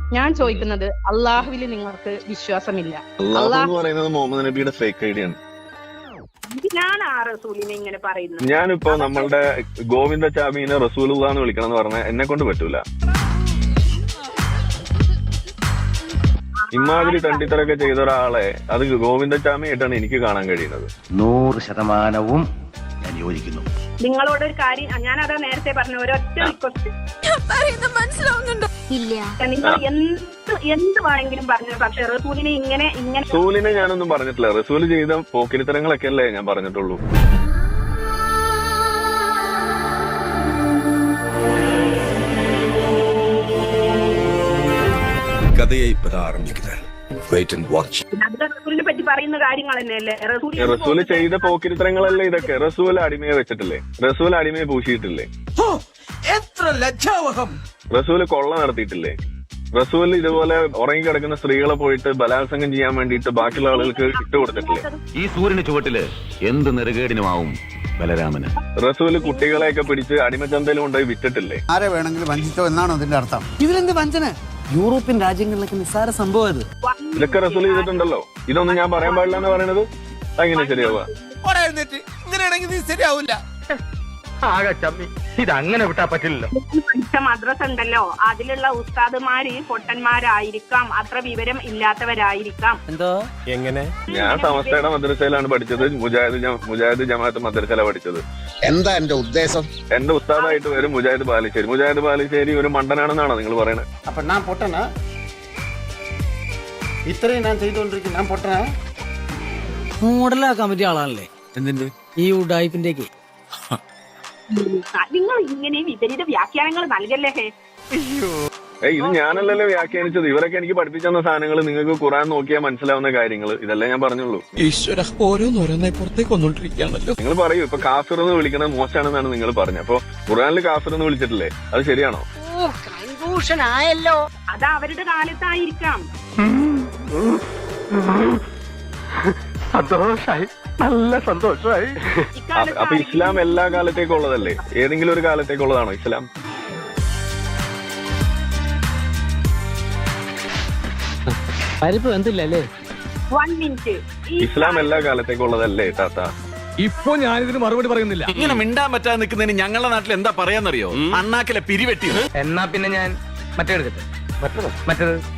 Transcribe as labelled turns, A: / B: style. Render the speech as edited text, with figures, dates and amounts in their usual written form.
A: ഞാൻ ചോദിക്കുന്നത് അള്ളാഹുവിൽ നിങ്ങൾക്ക് വിശ്വാസമില്ല.
B: അള്ളാഹു എന്ന് പറയുന്നത് മുഹമ്മദ് നബിയുടെ ഫേക്ക് ഐഡിയ ആണ്.
A: ഞാൻ ആ റസൂലിനെ ഇങ്ങനെ പറയുന്നത്.
B: ഞാനിപ്പോ നമ്മളുടെ ഗോവിന്ദചാമീനെ റസൂലുള്ളാഹ് എന്ന് വിളിക്കണം എന്ന് പറഞ്ഞാൽ എന്നെ കൊണ്ട് പറ്റൂല. ഇമാതിരി തണ്ടിത്തരൊക്കെ ചെയ്ത ഒരാളെ അത് ഗോവിന്ദചാമിയായിട്ടാണ് എനിക്ക് കാണാൻ കഴിയുന്നത്.
C: 100% ഞാൻ യോജിക്കുന്നു.
A: നിങ്ങളോട് ഒരു കാര്യം ഞാൻ അതാ നേരത്തെ പറഞ്ഞ ഒരൊറ്റ റിക്വസ്റ്റ്.
D: മനസ്സിലാവുന്നുണ്ടോ? ഇല്ല.
A: നിങ്ങൾ എന്ത് വേണമെങ്കിലും പറഞ്ഞു, പക്ഷെ റസൂലിനെ ഇങ്ങനെ
B: റസൂലിനെ ഞാനൊന്നും പറഞ്ഞിട്ടില്ല. റസൂല് ചെയ്ത പോക്കിരിത്തരങ്ങളൊക്കെ അല്ലേ ഞാൻ പറഞ്ഞിട്ടുള്ളൂ.
E: കഥയെ ഇപ്പതാ ആരംഭിക്കുന്നത്. Wait and watch.
A: റസൂലിനെ പറ്റി പറയുന്ന കാര്യങ്ങൾ തന്നെയല്ലേ.
B: റസൂല് ചെയ്ത പോക്കിരിത്തരങ്ങളല്ലേ ഇതൊക്കെ. റസൂല് അടിമയെ വെച്ചിട്ടില്ലേ? റസൂല് അടിമയെ പൂശിയിട്ടില്ലേ?
E: എത്ര ലജ്ജാവഹം.
B: റസൂല് കൊള്ള നടത്തിയിട്ടില്ലേ? റസൂല് ഇതുപോലെ ഉറങ്ങിക്കിടക്കുന്ന സ്ത്രീകളെ പോയിട്ട് ബലാത്സംഗം ചെയ്യാൻ വേണ്ടിയിട്ട് ബാക്കിയുള്ള ആളുകൾക്ക് ഇട്ടുകൊടുത്തിട്ടില്ലേ?
C: ഈ സൂര്യന് ചുവട്ടില് എന്ത് നെറുകേടിനുമാവും ബലരാമന്.
B: റസൂല് കുട്ടികളെയൊക്കെ പിടിച്ച് അടിമച്ചന്തയിൽ കൊണ്ടുപോയി വിറ്റിട്ടില്ലേ?
F: ആരെ വേണമെങ്കിലും വഞ്ചിച്ചോ എന്നാണോ അതിന്റെ അർത്ഥം?
G: ഇതിലെന്ത് വഞ്ചന? യൂറോപ്യൻ രാജ്യങ്ങളിലൊക്കെ നിസ്സാര സംഭവം ഇത്.
B: ഇതൊക്കെ റസൂല് ചെയ്തിട്ടുണ്ടല്ലോ. ഇതൊന്നും ഞാൻ പറയാൻ പാടില്ല എന്ന് പറയുന്നത് എങ്ങനെ ശരിയാവുക?
E: ഇങ്ങനെയാണെങ്കിൽ നീ ശരിയാവില്ല.
H: ഇതങ്ങനെ വിട്ടാ പറ്റില്ലല്ലോ.
A: പഠിച്ച മദ്രസ ഉണ്ടല്ലോ, അതിലുള്ള ഉസ്താദുമാര് പൊട്ടന്മാരായിരിക്കാം, അത്ര വിവരം ഇല്ലാത്തവരായിരിക്കാം.
G: എന്തോ
E: എങ്ങനെ?
B: ഞാൻ സമസ്തയുടെ മദ്രസയിലാണ് പഠിച്ചത്. മുജാഹിദ് ജമാഅത്ത് മദ്രസയിലാണ് പഠിച്ചത്.
F: എന്താ എന്റെ ഉദ്ദേശം?
B: എന്റെ ഉസ്താദായിട്ട് വരും മുജാഹിദ് ബാലുശ്ശേരി. മുജാഹിദ് ബാലുശ്ശേരി ഒരു മണ്ടനാണെന്നാണോ നിങ്ങൾ പറയുന്നത്?
G: അപ്പൊ ഞാൻ പൊട്ടനാ? ഇത്രയും ഞാൻ ചെയ്തുകൊണ്ടിരിക്കും, ഞാൻ പൊട്ടനാ? മോഡലാക്കാൻ പറ്റിയ ആളാണല്ലേ
E: എന്തിന്റെ
G: ഈ ഉഡായിപ്പിന്റെക്ക്.
A: നിങ്ങൾ ഇങ്ങനെ വിപരീത വ്യാഖ്യാനങ്ങൾ നൽകല്ലേ.
B: ഇത് ഞാനല്ലല്ലോ വ്യാഖ്യാനിച്ചത്. ഇവരൊക്കെ എനിക്ക് പഠിപ്പിച്ചു തന്ന സാധനങ്ങൾ നിങ്ങൾക്ക് ഖുർആൻ നോക്കിയാൽ മനസ്സിലാവുന്ന കാര്യങ്ങൾ ഇതെല്ലാം ഞാൻ പറഞ്ഞുള്ളൂ.
E: ഈശ്വര ഓരോന്നോരോന്നായി പുറത്തേക്ക് വന്നോണ്ടിരിക്കുകയാണല്ലോ.
B: നിങ്ങൾ പറയൂ, ഇപ്പൊ കാഫിർ എന്ന് വിളിക്കണത് മോശമാണെന്നാണ് നിങ്ങൾ പറഞ്ഞത്. അപ്പൊ ഖുർആനിൽ കാഫിർ എന്ന് വിളിച്ചിട്ടില്ലേ? അത് ശരിയാണോ?
D: ആയല്ലോ.
A: അത് അവരുടെ കാലത്തായിരിക്കാം.
H: സന്തോഷായി, നല്ല സന്തോഷമായി.
B: അപ്പൊ ഇസ്ലാം എല്ലാ കാലത്തേക്കും ഉള്ളതല്ലേ? ഏതെങ്കിലും ഒരു കാലത്തേക്കുള്ളതാണോ ഇസ്ലാം?
G: പരിപ്പ് എന്തില്ലല്ലേ?
A: 1 മിനിറ്റ്.
B: ഇസ്ലാം എല്ലാ കാലത്തേക്കും ഉള്ളതല്ലേ താത്ത?
H: ഇപ്പൊ ഞാനിതിന് മറുപടി പറയുന്നില്ല.
I: ഇങ്ങനെ മിണ്ടാൻ പറ്റാതെ നിൽക്കുന്നതിന് ഞങ്ങളുടെ നാട്ടിൽ എന്താ പറയാന്നറിയോ? അണ്ണാക്കിലെ പിരിവെട്ടി.
H: എന്നാ പിന്നെ ഞാൻ മറ്റേ എടുക്കട്ടെ. മറ്റേത്